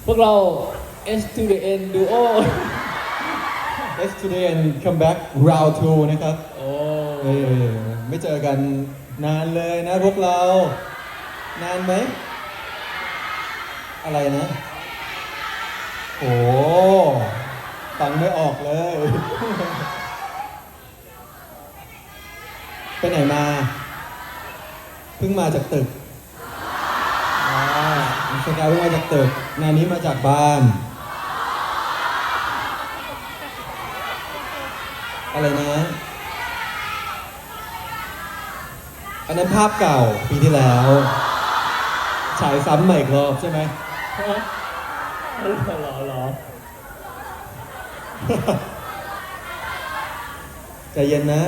พวกเรา S to the N Duo S to the N come back round 2 นะครับโอ้ไม่เจอกันนานเลยนะพวกเรา นานไหม อะไรนะ โอ้ฟังไม่ออกเลย ไปไหนมา เพิ่งมาจากตึกสกายเพิ่งมาจากตึกงานนี้มาจากบ้าน อะไรนะ อันนั้นภาพเก่าปีที่แล้ว ฉายซ้ำใหม่อีกรอบใช่ไหมหรอใจเย็นนะ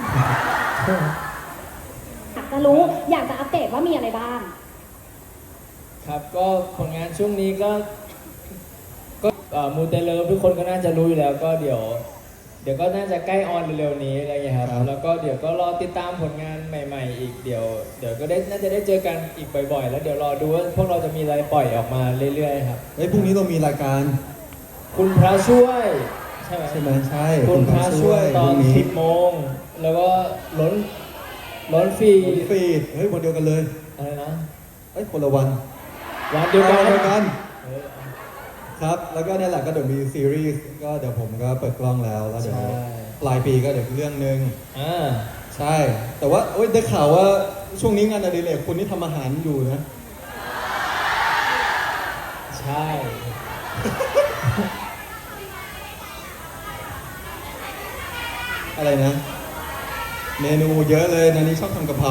อยากจะรู้อยากจะอัปเดตว่ามีอะไรบ้างครับก็ผลงานช่วงนี้ก็มูเตเลิฟทุกคนก็น่าจะรู้อยู่แล้วก็เดี๋ยวก็น่าจะใกล้ออนเร็วๆนี้อะไรอย่างเงี้ยครับครับแล้วก็เดี๋ยวก็รอติดตามผลงานใหม่ๆอีกเดี๋ยวก็น่าจะได้เจอกันอีกบ่อยๆแล้วเดี๋ยวรอดูว่าพวกเราจะมีอะไรปล่อยออกมาเรื่อยๆครับเฮ้ยพรุ่งนี้เรามีรายการคุณพระช่วยใช่ไหมใช่ไหมใช่คุณพระช่วยตอนพรุ่งนี้ 10 โมงแล้วก็ล้นฟรีฟีดเฮ้ยวันเดียวกันเลยอะไรนะเฮ้ยคนละวันวันเดียวกันวันเดียวกันเออครับ แล้วก็เนี่ยแหละก็เดี๋ยวมีซีรีส์ก็เดี๋ยวผมก็เปิดกล้องแล้วเดี๋ยวใช่ปลายปีก็เดี๋ยวเรื่องนึงอ่าใช่ แต่ว่าโอ๊ยได้ข่าวว่าช่วงนี้งานอดิเรกคุณนี่ทำอาหารอยู่นะใช่อะไรนะ เมนูเยอะเลยนันนี้ชอบทำกะเพรา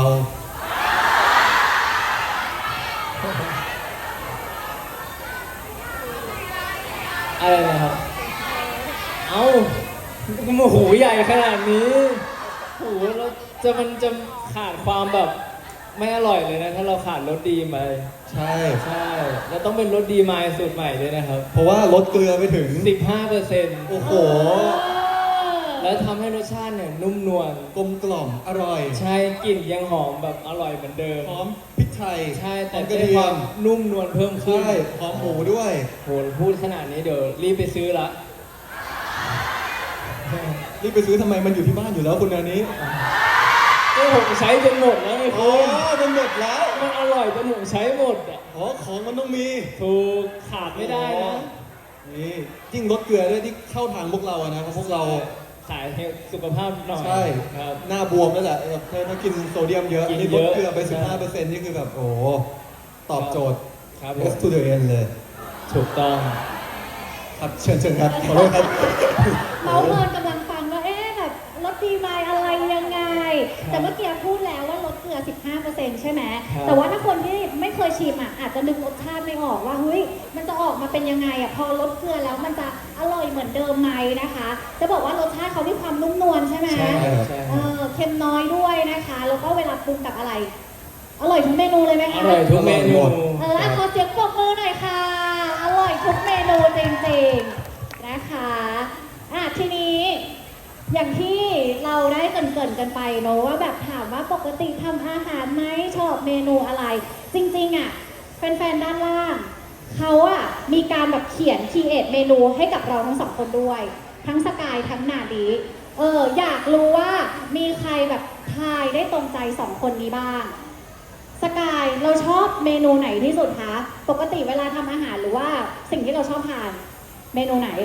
อะไรนะครับ เอ้าโอ้โหใหญ่ขนาดนี้โอ้โหแล้วมันจะขาดความแบบไม่อร่อยเลยนะ ถ้าเราขาดรสดีมาใช่ใช่แล้วต้องเป็นรสดีมายสูตรใหม่ด้วยนะครับเพราะว่าลดเกลือไปถึง 15% โอ้โหแล้วทำให้รสชาติเนี่ยนุ่มนวลกลมกล่อมอร่อยใช่กลิ่นยังหอมแบบอร่อยเหมือนเดิมหอมพริกไทยใช่แต่หอมกได้ระเทีคยวามมนุ่มนวลเพิ่มขึ้นใช่หอมหมูด้วยโหพูดขนาดนี้เดี๋ยวรีบไปซื้อละรีบไปซื้อทำไมมันอยู่ที่บ้านอยู่แล้วคุณอันนี้ก็ผมใช้จนหมดแล้วไงโอ้คุณมันหมดแล้วมันอร่อยจนผมใช้หมดอ่ะอ๋อของมันต้องมีถูกขาดไม่ได้นะนี่ยิ่งลดเกลือด้วยที่เข้าทางพวกเราอะนะเพราะพวกเราสายให้สุขภาพหน่อยใช่ครับหน้าบวมนั่นแหละถ้ากินโซเดียมเยอะกิอันนนี้เยลอะดเกลือไปใช่ 15%นี่คือแบบโอ้โหตอบโจทย์ครับผม S to the N เลยถูกต้องครับเชิญครับขอโทษครับเมาเมินกำลังฟังว่าแบบลดดีไหมอะไรยังไง แต่เมื่อกี้พูดแล้วว่าลดเกลือ 15%ใช่ไหมครับแต่ว่าถ้าคนที่ไม่เคยชิมอาจจะนึกรสชาติไม่ออกว่าเฮ้ยมันจะออกมาเป็นยังไงพอลดเกลือแล้วมันจะอร่อยเหมือนเดิมไหมนะคะ จะบอกว่ารสชาติเขามีความนุ่มนวลใช่ไหมใช่ครับใช่เค็มน้อยด้วยนะคะ แล้วก็เวลาปรุงกับอะไร อร่อยทุกเมนูเลยไหมอคะร่อยทุกเมนูขอเสียงปรบมือหน่อยค่ะ อร่อยทุกเมนูจริงๆนะคะทีนี้อย่างที่เราได้เกริ่นๆกันไปเนอะว่าแบบถามว่าปกติทำอาหารไหมชอบเมนูอะไร จริงๆแฟนๆด้านล่างเขามีการแบบเขียนคีเอทเมนูให้กับเราทั้งสองคนด้วย ทั้งสกายทั้งนาดีอยากรู้ว่ามีใครแบบทายได้ตรงใจสองคนนี้บ้างสกายเราชอบเมนูไหนที่สุดคะปกติเวลาทำอาหารหรือว่าสิ่งที่เราชอบทานเมนูไหน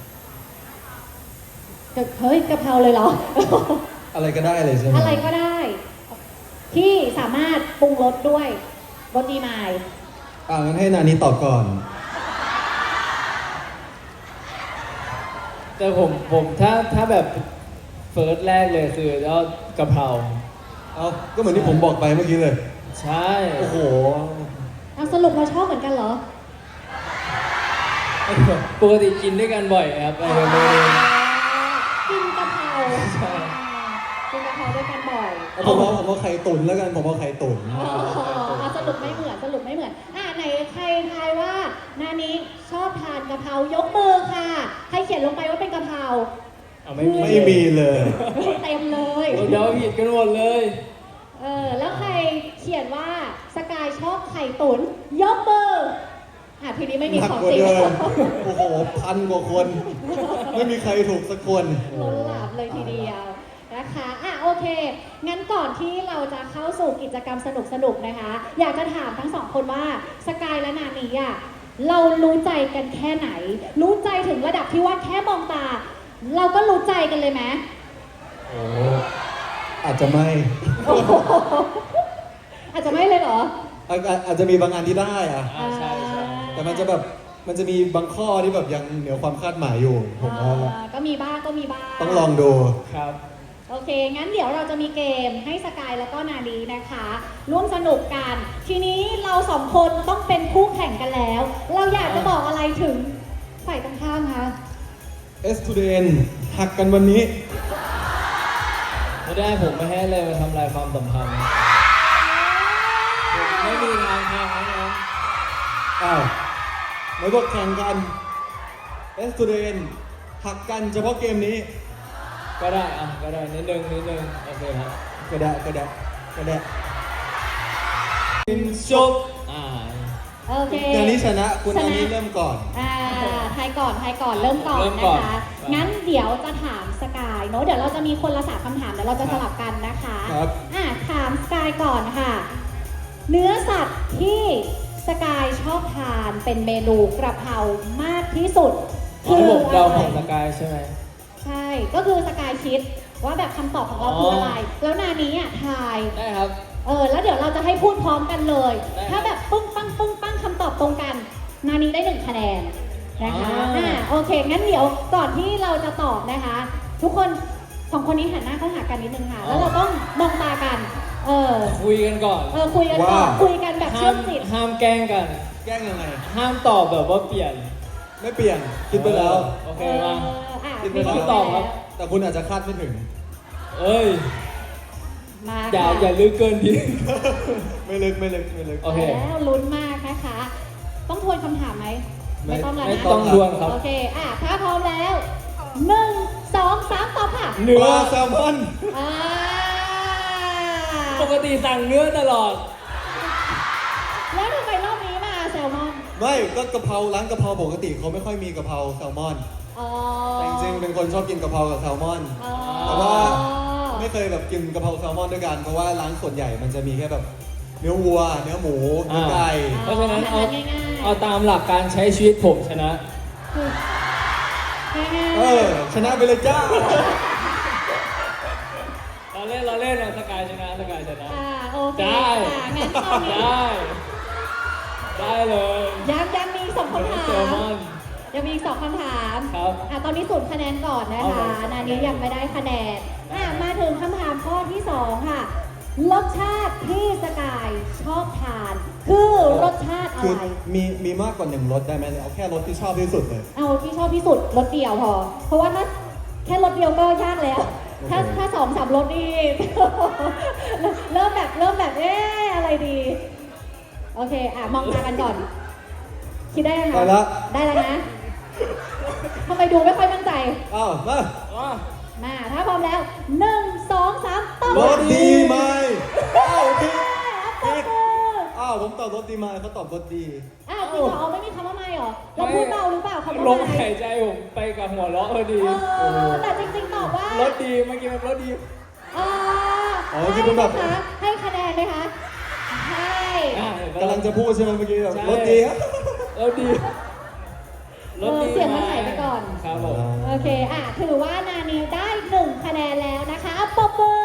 เฮ้ยกะเพราเลยเหรออะไรก็ได้เลยใช่ไหมอะไรก็ได้ ที่สามารถปรุงรสด้วยรสดีมายงั้นให้นานี้ตอบก่อนแต่ผมถ้าแบบเฟิร์สแรกเลยคือก็กะเพราเอาก็เหมือนที่ผมบอกไปเมื่อกี้เลยใช่โอ้โหสรุปเราชอบเหมือนกันเหรอปกติกินด้วยกันบ่อยครับเมนูนี้กินกะเพราใช่กินกะเพราด้วยกันบ่อยผมเอาไข่ตุ๋นแล้วกันผมเอาไข่ตุ๋นสรุปไม่เหมือนไหนใครทายว่านานี้ชอบทานกะเพรายกมือค่ะใครเขียนลงไปว่าเป็นกะเพราเอาไม่มีไม่มีเลยเต็มเลยเดี๋ยวผิดกันหมดเลยแล้วใครเขียนว่าสกายชอบไข่ตุ๋นยกมือทีนี้ไม่มีหนักของกว่าจริงเดิมโอ้โหพันกว่าคน ไม่มีใครถูกสักคนล้นหลามเลยทีเดียวนะคะโอเค งั้นก่อนที่เราจะเข้าสู่กิจกรรมสนุกๆนะคะ อยากจะถามทั้งสองคนว่าสกายและนานีอ่ะเรารู้ใจกันแค่ไหน รู้ใจถึงระดับที่ว่าแค่มองตา เราก็รู้ใจกันเลยไหมโอ้อาจจะไม่อาจจะไม่เลยเหรออาจจะมีบางอันที่ได้อะใช่ใช่แต่มันจะแบบมันจะมีบางข้อที่แบบยังเหนือความคาดหมายอยู่ผมว่าก็มีบ้างก็มีบ้างต้องลองดูครับโอเค งั้นเดี๋ยวเราจะมีเกมให้สกายแล้วก็นาดีนะคะ ร่วมสนุกกัน ทีนี้เราสองคนต้องเป็นคู่แข่งกันแล้ว เราอยากจะบอกอะไรถึงฝ่ายตรงข้ามคะ S to the N หักกันวันนี้ไม่ได้ผมไม่ให้เลยมาทำลายความสัมพันธ์ผมไม่มีทางแข่งนะอ้าวไม่บอกแข่งกัน S to the N หักกันเฉพาะเกมนี้ก็ได้ก็ได้นิดนึงโอเคครับก็ได้ก็ได้ก็ได้จบโอเคนานี้ชนะคุณชนะนานี้เริ่มก่อนทายก่อนเริ่มก่อนนะคะ งั้นเดี๋ยวจะถามสกายเนอะเดี๋ยวเราจะมีคนละ3คำถามเดี๋ยวเราจะสลับกันนะคะครับถามสกายก่อนค่ะ เนื้อสัตว์ที่สกายชอบทานเป็นเมนูกระเพรามากที่สุดให้ผมเดาของะสไรกายใช่ไหมใช่ ก็คือสกายคิดว่าแบบคำตอบของเราคืออะไร แล้วนานี้ทายได้ครับแล้วเดี๋ยวเราจะให้พูดพร้อมกันเลยได้ถ้าแบบปึ้งปังคำตอบตรงกัน นานี้ได้1คะแนนนะคะ โอเค งั้นเดี๋ยวก่อนที่เราจะตอบนะคะ ทุกคน2คนนี้หันหน้าเข้าหากันนิดนึงค่ะ แล้วเราต้องมองตากันคุยกันก่อนคุยกันก่อนว่าคุยกันแบบเชื่อมจิตห้ามแกล้งกันแกล้งยังไงห้ามตอบแบบว่าเปลี่ยนไม่เปลี่ยน คิดไปแล้วโอเคมาคิดไปมีแล้วคิดตอบครับแต่คุณอาจจะคาดไม่ถึงเอ้ยมาอย่าค่ะอย่าลึกเกินดีไม่ลึกโอเคแล้วลุ้นมากนะคะ ต้องทวนคำถามไหมไม่ไม่ต้องแล้วไม่นะต้องดวลครับโอเค ถ้าพร้อมแล้ว 1 2 3 ตอบค่ะเนื้ปอลาแซลมอนอ่าปกติสั่งเนื้อตลอดแล้วทำไมรอบนี้มาแซลมอนไม่ก็กะเพราร้านกะเพราปกติเขาไม่ค่อยมีกะเพราแซลมอนอ๋อแต่จริงๆเป็นคนชอบกินกะเพรากับแซลมอนอ๋อแต่ว่าไม่เคยแบบกินกะเพราแซลมอนด้วยกัน เพราะว่าร้านส่วนใหญ่มันจะมีแค่แบบเนื้อวัว เนื้อหมูเนื้อไก่เพราะฉะนั้นเอาง่ายๆเอาตามหลักการใช้ชีวิตผมชนะง่ายๆเออ ชนะไปเลยจ้าเราเล่นเราสกายชนะโอเคได้งั้นตอนนี้ได้เลยยังมีสองคำถาเซลมมอนยังมีอีก2คำถามครับตอนนี้0คะแนนก่อนนะเอาคะเลยนานี้ยังไม่ได้คะแนนมาถึงคำถามข้อที่2ค่ะ รสชาติที่สกายชอบทาน คือรสชาติอะคือไรมีมากกว่า1รสได้ไหมเอาแค่รสที่ชอบที่สุดเลยเอาที่ชอบที่สุดรสเดียวพอ เพราะว่าถ้าแค่รสเดียวก็ยากแล้ว ถ้า2-3รสนี่ เริ่มแบบอะไรดี โอเค มองตากันก่อน คิดได้ยังคะได้แล้วได้แล้วนะทำไมดูไม่ค่อยมั่นใจอ้าวมามาถ้าพร้อมแล้ว 1 2 3ต้องรสดีไหมอ้าวผิดตบมืออ้าวผมตอบรสดีไหมเขาตอบรสดีจริงเหรอไม่มีคำว่าไม่เหรอ เราพูดเบาหรือเปล่าคำว่าลมไม่หายใจผมไปกับหัวเราะพอดีแต่จริงๆตอบว่ารถดีเมื่อกี้มันรถดีคิดเป็นแบบให้คะแนนไหมคะให้กำลังจะพูดใช่ไหมเมื่อกี้แบบใช่รสดีครับรถดีรถดีเสียงมันหายไปก่อนครับผมโอเค ถือว่านานีได้1คะแนนแล้วนะคะปรบมือ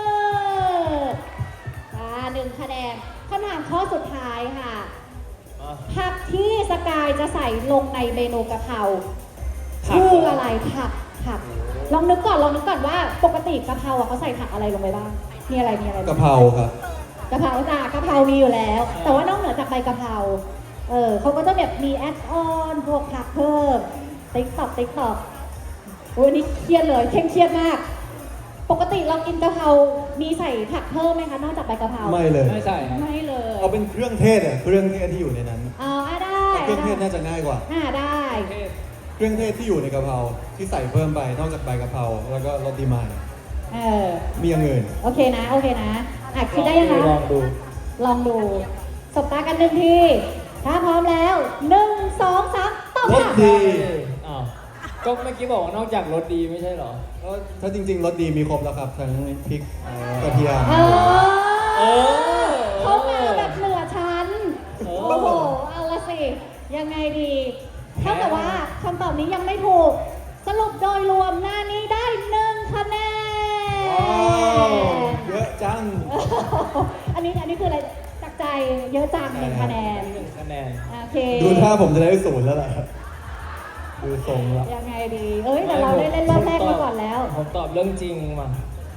1คะแนนคำถามข้อสุดท้ายค่ะ ผักที่สกายจะใส่ลงในเมนูกะเพราคืออะไรผักลองนึกก่อนว่าปกติกะเพราเขาใส่ผักอะไรลงไปบ้าง มีอะไรบ้างกะเพราครับกะเพรากะเพรามีอยู่แล้ว แต่ว่านอกเหนือจากใบกะเพราเขาก็จะแบบมีแอดออนพวกผักเพิ่มติ๊กตอกโอ้ยนี่เครียดเลยเคร่งเครียดมาก ปกติเรากินกะเพรา มีใส่ผักเพิ่มไหมคะนอกจากใบกะเพราไม่เลยไม่ใส่ครับไม่เลยเอาเป็นเครื่องเทศเครื่องเทศที่อยู่ในนั้นได้เครื่องเทศน่าจะง่ายกว่าได้เครื่องเทศที่อยู่ในกะเพราที่ใส่เพิ่มไปนอกจากใบกะเพราแล้วก็รสดีมาย มีอย่างอื่นโอเคนะคิดได้ยังคะลองดูลองดูสบตากันหนึ่งทีถ้าพร้อมแล้ว1 2 3ตอบรสค่ะดีอ้าวก็เมื่อกี้บอกว่านอกจากรสดีไม่ใช่เหรอก็ถ้าจริงๆรสดีมีครบแล้วครับ ทั้งพริกกระเทียมเอเอออเขามาแบบเหนือชั้นเออโอ้โห เอาละสิ ยังไงดี เท่ากับว่าคำตอบนี้ยังไม่ถูก สรุปโดยรวมหน้านี้ได้1คะแนว้าวน เยอะจังอันนี้คืออะไรจากใจเยอะจัง1คะแนน 1 คะแนนโอเคดูท่าผมจะได้0แล้วแหละดูทรงแล้วยังไงดี เอ้ยแต่เราได้เล่นรอบแรกมาก่อนแล้วผมตอบเรื่องจริงมา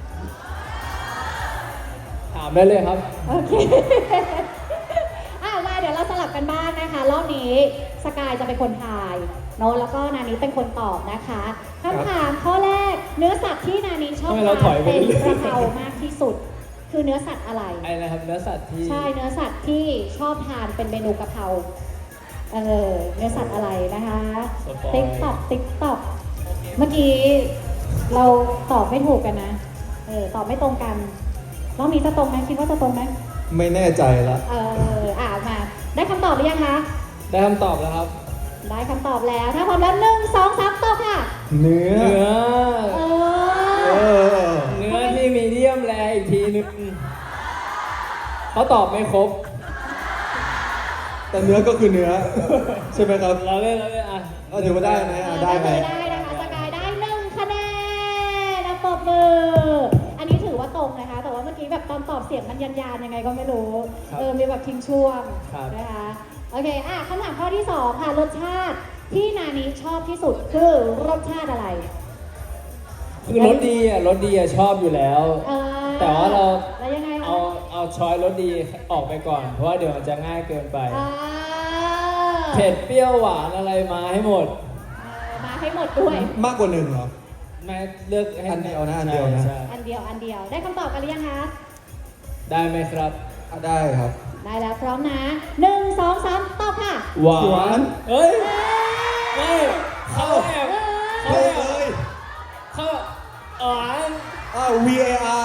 ถามได้เลยครับโอเค มาเดี๋ยวเราสลับกันบ้างนะคะ รอบนี้สกายจะเป็นคนทายโน้ตแล้วก็นานี้เป็นคนตอบนะคะคำถามข้อแรก เนื้อสัตว์ที่นานี้ชอบทำไมเราถทาอน ยไปเป็นเรื่อยๆกระเพรามากที่สุด คือเนื้อสัตว์อะไรไอ้นะครับเนื้อสัตว์ที่ใช่เนื้อสัตว์ที่ชอบทานเป็นเมนูกะเพราเนื้อสัตว์อะไรนะคะสปอยติ๊กต็อกเมื่อกี้เราตอบไม่ถูกกันนะตอบไม่ตรงกันรอบนี้จะตรงไหมคิดว่าจะตรงไหมไม่แน่ใจละมาได้คำตอบหรือยังคะได้คำตอบแล้วครับได้คำตอบแล้ว ถ้าพร้อมแล้ว1 2 3ตอบค่ะเนื้อเนื้อเอเอออเนื้อที่มีเดียมแรอีกทีนึงเขาตอบไม่ครบแต่เนื้อก็คือเนื้อ ใช่ไหมครับเราเล่นอ่ะก็ถือว่าได้ไหมได้ไหมได้นะคะสกายได้1คะแนนนะปรบมือ อันนี้ถือว่าตรงนะคะ แต่ว่าเมื่อกี้แบบตอนตอบเสียงมันยันยังไงก็ไม่รู้ มีแบบทิ้งช่วงนะคะ โอเคคำถามข้อที่ 2 ค่ะ รสชาติที่นานี้ชอบที่สุดคือรสชาติอะไรคือรสดีชอบอยู่แล้ว แต่ว่าเราแล้วยังไงคะเอาช้อยรสดีออกไปก่อน เพราะว่าเดี๋ยวมันจะง่ายเกินไปอ่าเผ็ดเปรี้ยวหวานอะไรมาให้หมดมาให้หมดด้วยมากกว่า1เหรอแม่เลือกให้อันเดียวนะอันเดียวนะใช่อันเดียวได้คำตอบกันหรือยังคะได้ไหมครับได้ครับได้แล้วพร้อมนะ1 2 3ตอบค่ะหวาหวานนเฮ้ยไม่เขาแอบเฮ้ยเลยเขาหวาน VAR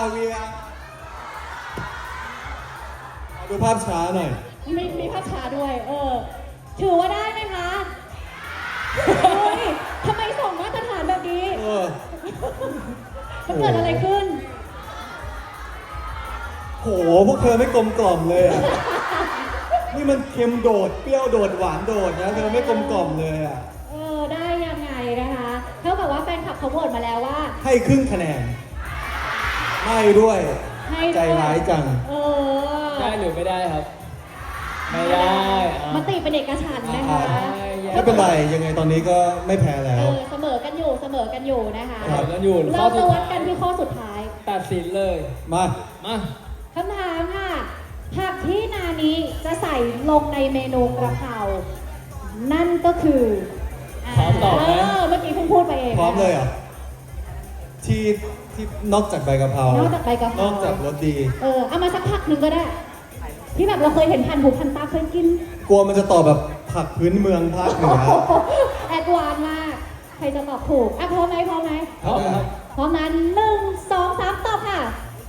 ดูภาพช้าหน่อยมีภาพช้าด้วย ถือว่าได้ไหมคะเฮ้ยทำไมส่งมาตรฐานแบบนี้เออมันเกิดอะไรขึ้นโห พวกเธอไม่กลมกล่อมเลยอ่ะ นี่มันเค็มโดด เปรี้ยวโดด หวานโดดนะ เธอไม่กลมกล่อมเลยอ่ะได้ยังไงนะคะเท่ากับว่าแฟนคลับเขาโหวตมาแล้วว่าให้ครึ่งคะแนน ไม่ด้วยให้ด้วยใจร้ายจังได้หรือไม่ได้ครับ ไม่ได้อ่ะมติเป็นเอกฉันท์นะคะไม่เป็นไร ยังไงตอนนี้ก็ไม่แพ้แล้วเสมอกันอยู่นะคะถามกันอยู่เราจะวัดกันที่ข้อสุดท้ายตัดสินเลยมามาคำถามค่ะ ผักที่นานี้จะใส่ลงในเมนูกระเพรานั่นก็คือพร้อมตอบไหมเมื่อกี้เพิ่งพูดไปเองพร้อมเลยเหรอ ที่นอกจากใบกะเพรานอกจากใบกะเพรานอกจากรสดีเอามาสักผักหนึ่งก็ได้ ที่แบบเราเคยเห็นพันหูพันตาเคยกินกลัวมันจะตอบแบบผักพื้นเมืองภาคเหนือแอดวานซ์มาก ใครจะตอบถูกพร้อมไหมพร้อมครับพร้อมนั้น1 2 3ตอบค่ะ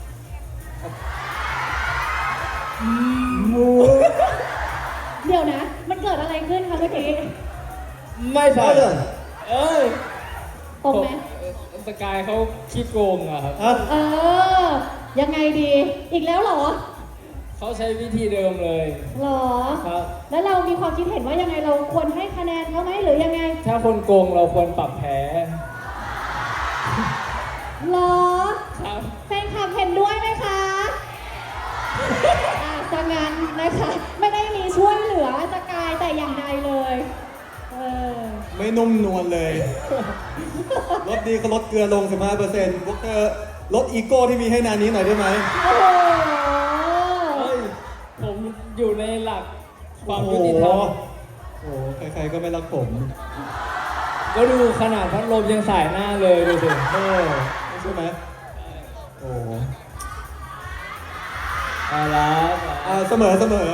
เดี๋ยวนะ มันเกิดอะไรขึ้นคะเมื่อกี้ไม่ใช่ไม่เลยเอ้ยตรงไหมสกายเขาขี้โกงอะครับอ่ะยังไงดี อีกแล้วเหรอเขาใช้วิธีเดิมเลยเหรอครับแล้วเรามีความคิดเห็นว่ายังไงเราควรให้คะแนนเขาไหมหรือยังไงถ้าคนโกงเราควรปรับแพ้เหรอครับแฟนคลับเห็นด้วยไหมคะจะงั้นนะคะ ไม่ได้มีช่วยเหลือสกายแต่อย่างใดเลยไม่นุ่มนวลเลย รสดีก็ลดเกลือลง 15%พวกเธอลดอีโก้ที่มีให้นานี้หน่อยได้ไหมโอ้โหเฮ้ย ผมอยู่ในหลักความยุติธรรมโอ้โหใครๆก็ไม่รักผมก็ดูขนาดพัดลมยังสายหน้าเลยดูสิใช่ไหมโอ้โหเอาละเสมอเสมอ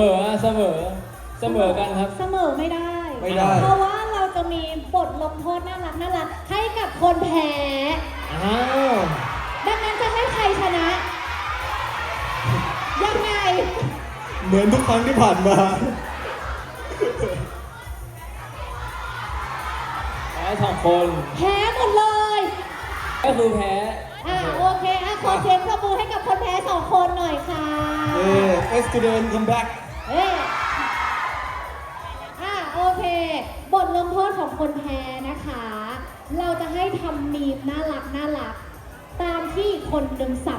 กันครับเสมอไม่ได้ไม่ได้เพราะว่าเราจะมีบทลงโทษน่ารักให้กับคนแพ้อ้าวดังนั้นจะให้ใครชนะ ยังไงเหมือนทุกครั้งที่ผ่านมาแพ้สองคนแพ้หมดเลยก็คือแพ้โอเคขอเสียงปรบมือให้กับคนแพ้2 คนหน่อยค่ะ student come back เอ๊ะโอเค บทลงโทษของคนแพ้นะคะ เราจะให้ทำมีมน่ารัก ตามที่คนหนึ่งสั่ง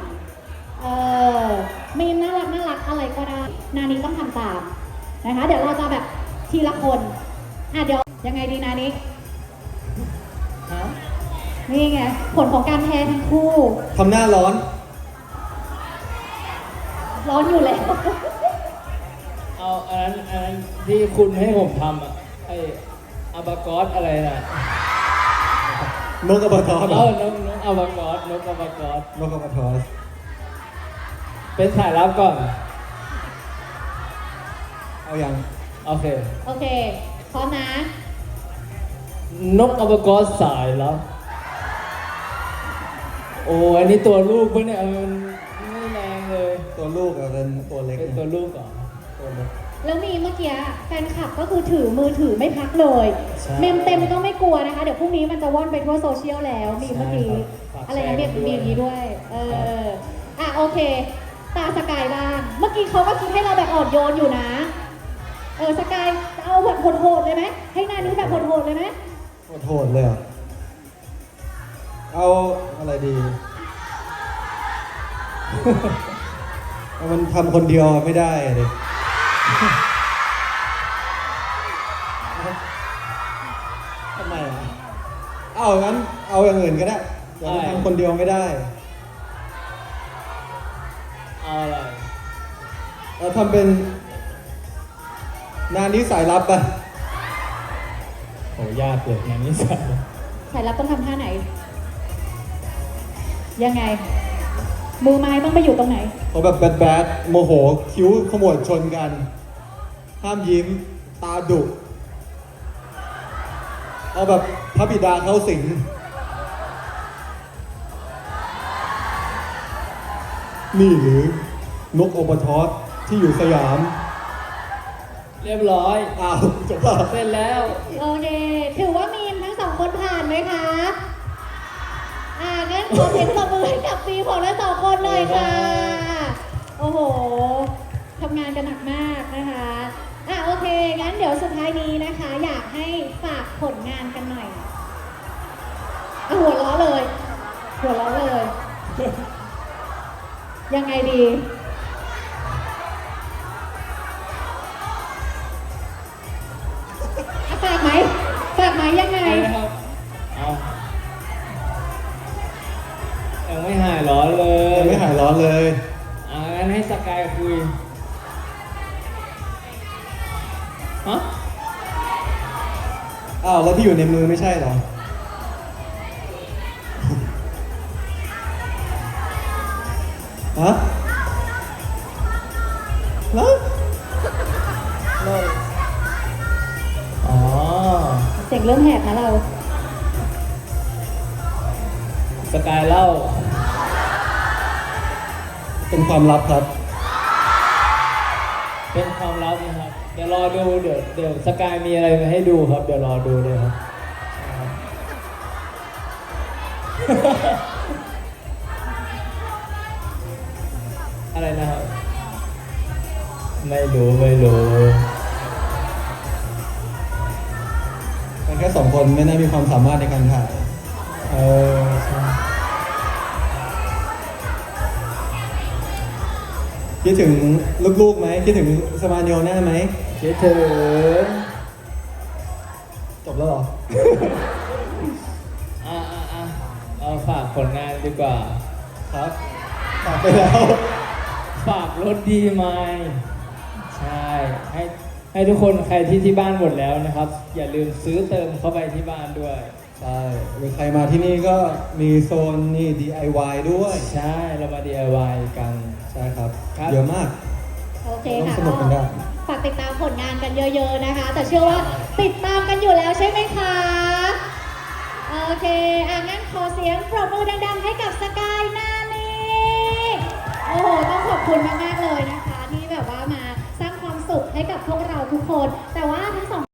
มีมน่ารักอะไรก็ได้ นานี้ต้องทำตามนะคะ เดี๋ยวเราจะแบบทีละคนเดี๋ยวยังไงดีนานี้ฮะนี่ไง ผลของการแพ้ทั้งคู่ทำหน้าร้อนร้อนอยู่แล้วเอาอันนั้นที่คุณให้ผมทำอ่ะไอ้อาบากอสอะไรน่ะนกกระบะทอสเหรเอออนกอาบากอสนกอาบากอสนกกระบะทอสเป็นสายลับก่อนเอายังโอเคโอเค พร้อมนะนกอาบากอสสายลับโอ้อันนี้ตัวลูกปะเนี่ยมันไม่แรงเลยตัวลูกอะเป็นตัวเล็กเป็นตัวลูกเหรอตัวเล็กแล้วมีเมื่อกี้แฟนคลับก็คือถือมือถือไม่พักเลยใช่เมมเต็มก็ไม่กลัวนะคะ เดี๋ยวพรุ่งนี้มันจะว่อนไปทั่วโซเชียลแล้ว มีเมื่อกี้ใช่ครับอะไรนะฝากแชร์มีด้วยอย่างนี้ด้วย โอเค ตาสกายบ้าง เมื่อกี้เขาก็คิดให้เราแบบอ่อนโยนอยู่นะ สกายเอาแบบโหดๆเลยไหม ให้หน้านี้แบบโหดๆเลยไหมโหดเลยเหรอเอาอะไรดี มันทำคนเดียวไม่ได้อะดิทำไมอ่ะเอางั้นเอาอย่างอื่นก็ได้เดี๋ยวมันทำคนเดียวไม่ได้เอาอะไรเราทำเป็นนานี้สายลับป่ะโหยากเลยงานนี้สายลับสายลับต้องทำท่าไหน ยังไง มือไม้ต้องไปอยู่ตรงไหนเขาแบบแบดโมโหคิ้วขมวดชนกัน ห้ามยิ้ม ตาดุเอาแบบพระบิดาเข้าสิงนี่หรือนกโอปทอสที่อยู่สยามเรียบร้อยอ้าวจบแล้วเสร็จแล้วโอเค ถือว่ามีมทั้ง2 คนผ่านไหมคะงั้นขอเสียงปรบมือให้กับฟีของทั้ง2 คนหน่อยค่ะ โอ้โห ทำงานกันหนักมากนะคะโอเค งั้นเดี๋ยวสุดท้ายนี้นะคะ อยากให้ฝากผลงานกันหน่อยหัวล้อเลย หัวล้อเลย ยังไงดีฝากไหมยังไงนะครับเอายังไม่หายร้อนเลยยังไม่หายร้อนเลยงั้นให้สกายคุย ฮะอ้าวแล้วที่อยู่ในมือไม่ใช่เหรอ ฮะแล้วอ๋อเสียงเริ่มแหบนะเราสกายเล่าเป็นความลับครับเป็นความลับนะครับ เดี๋ยวรอดู เดี๋ยวสกายมีอะไรมาให้ดูครับ เดี๋ยวรอดูเลยครับ อะไรนะครับ ไม่รู้กันแค่2 คนไม่น่ามีความสามารถในการถ่ายใช่คิดถึงลูกๆไหม คิดถึงสมาโยน่าไหมคิดถึงจบแล้วเหรอเอาฝากผลงานดีกว่าครับตอบไปแล้วฝากรถดีไหมใช่ ให้ทุกคนใครที่บ้านหมดแล้วนะครับ อย่าลืมซื้อเติมเข้าไปที่บ้านด้วยใช่หรือใครมาที่นี่ก็มีโซนนี่ DIY ด้วยใช่ เรามา DIY กันใช่ครับครับเยอะมากโอเคต้องค่ะสนุกกันได้ฝากติดตามผลงานกันเยอะ ๆนะคะ แต่เชื่อว่าติดตามกันอยู่แล้วใช่ไหมคะ โอเคงั้นขอเสียงปรบมือดังๆให้กับสกายนานีโอ้โห ต้องขอบคุณมากๆเลยนะคะ ที่แบบว่ามาสร้างความสุขให้กับพวกเราทุกคน แต่ว่าทั้งสอง